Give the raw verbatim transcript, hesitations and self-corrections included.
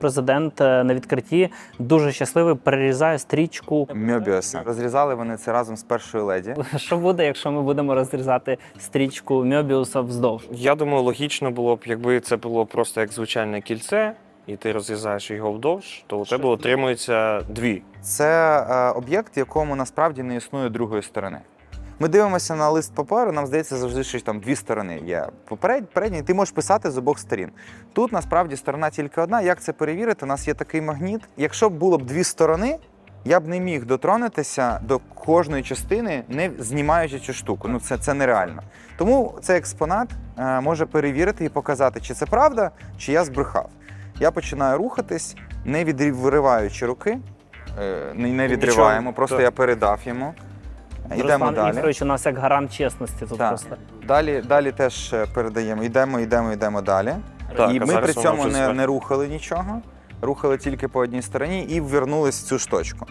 Президент на відкритті дуже щасливий перерізає стрічку Мьобіуса. Розрізали вони це разом з першою леді. Що буде, якщо ми будемо розрізати стрічку Мьобіуса вздовж? Я думаю, логічно було б, якби це було просто як звичайне кільце, і ти розрізаєш його вдовж, то у тебе отримується дві. Це е, об'єкт, в якому насправді не існує другої сторони. Ми дивимося на лист паперу, нам здається завжди, що там дві сторони є. Попередній, передній, ти можеш писати з обох сторін. Тут насправді сторона тільки одна. Як це перевірити? У нас є такий магніт. Якщо б було б дві сторони, я б не міг дотронутися до кожної частини, не знімаючи цю штуку. Ну це, це нереально. Тому цей експонат е, може перевірити і показати, чи це правда, чи я збрехав. Я починаю рухатись, не відриваючи руки, е, не, не відриваємо, Нічого, просто так. я передав йому. Йдемо Руслан далі. Ігорович у нас як гарант чесності тут Так. просто. Далі, далі теж передаємо. Йдемо, йдемо, йдемо далі. Так, і а ми зараз при воно цьому вже не, зверху. не рухали нічого, рухали тільки по одній стороні і ввернулись в цю штучку.